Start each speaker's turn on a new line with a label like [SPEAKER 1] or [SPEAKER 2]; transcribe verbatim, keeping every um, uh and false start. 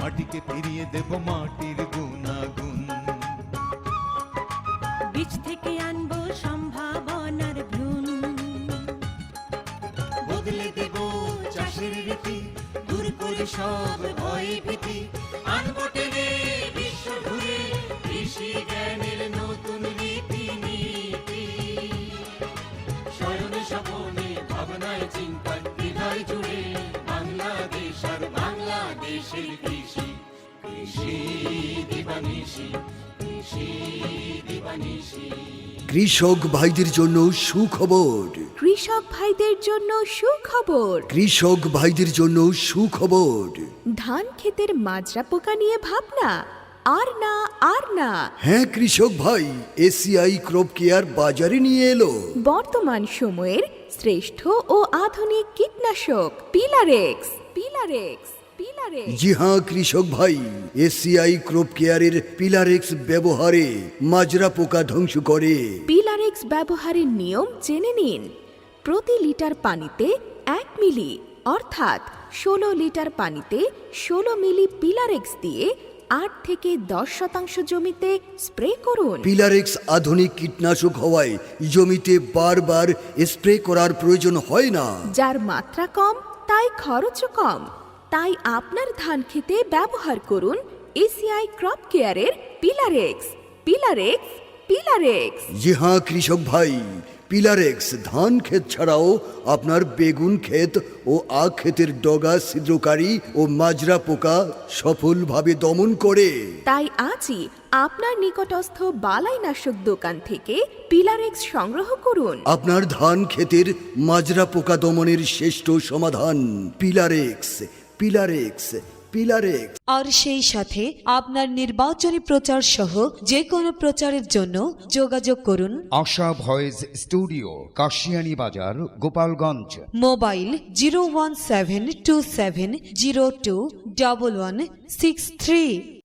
[SPEAKER 1] মাটিকে ফিরিয়ে দেব মাটির গুণাগুণ।
[SPEAKER 2] বীজ থেকে আনবো সম্ভাবনার ভ্রূণ,
[SPEAKER 1] বদলে দেব চাষের রীতি, দূর করে সব ভয় ভীতি, আনবো টেনে বিশ্ব ঘুরে কৃষি জ্ঞানের নতুন রীতি নীতি। স্বয়নে স্বপনে ভাবনায় চিন্তায় হৃদয় জুড়ে বাংলাদেশ আর বাংলাদেশের কৃষি, কৃষি দিবানিশি, কৃষি দিবানিশি।
[SPEAKER 3] কৃষক ভাইদের জন্য সুখবর,
[SPEAKER 4] কৃষক ভাইদের জন্য সুখবর,
[SPEAKER 3] কৃষক ভাইদের জন্য সুখবর।
[SPEAKER 4] ধান ক্ষেতের মাজরা পোকা নিয়ে ভাবনা আর না আর না।
[SPEAKER 3] হ্যাঁ কৃষক ভাই, এসিআই ক্রপ কেয়ার বাজারে নিয়ে এলো
[SPEAKER 4] বর্তমান সময়ের শ্রেষ্ঠ ও আধুনিক কীটনাশক পিলারেক্স পিলারেক্স পিলারেক্স।
[SPEAKER 3] জি হ্যাঁ কৃষক ভাই, এসিআই ক্রপ কেয়ারের পিলারেক্স ব্যবহারে মাজরা পোকা ধ্বংস করে।
[SPEAKER 4] পিলারেক্স ব্যবহারের নিয়ম জেনে নিন। প্রতি লিটার পানিতে এক মিলি অর্থাৎ ষোলো লিটার পানিতে ষোলো মিলি পিলারেক্স দিয়ে আট থেকে দশ শতাংশ জমিতে স্প্রে করুন।
[SPEAKER 3] পিলারেক্স আধুনিক কীটনাশক হওয়ায় জমিতে বারবার স্প্রে করার প্রয়োজন হয় না।
[SPEAKER 4] যার মাত্রা কম তাই খরচও কম। তাই আপনার ধান খেতে ব্যবহার করুন এসিআই ক্রপ কেয়ারের পিলারেক্স পিলারেক্স পিলারেক্স।
[SPEAKER 3] জি হ্যাঁ কৃষক ভাই, পিলারেক্স ধান ক্ষেত ছাড়াও আপনার বেগুন ক্ষেত ও আখ ক্ষেতের ডগা ছিদ্রকারী ও মাজরা পোকা সফলভাবে দমন করে।
[SPEAKER 4] তাই আজই আপনার নিকটস্থ বালাইনাশক দোকান থেকে পিলারেক্স সংগ্রহ করুন।
[SPEAKER 3] আপনার ধান ক্ষেতের মাজরা পোকা দমনের শ্রেষ্ঠ সমাধান পিলারেক্স পিলারেক্স পিলারেক্স।
[SPEAKER 5] আর সেই সাথে আপনার নির্বাচনী প্রচার সহ যে কোনো প্রচারের জন্য যোগাযোগ করুন
[SPEAKER 6] আশা voice studio, Kashiani Bazar, Gopalganj.
[SPEAKER 5] Mobile zero one seven two seven zero two double one six three.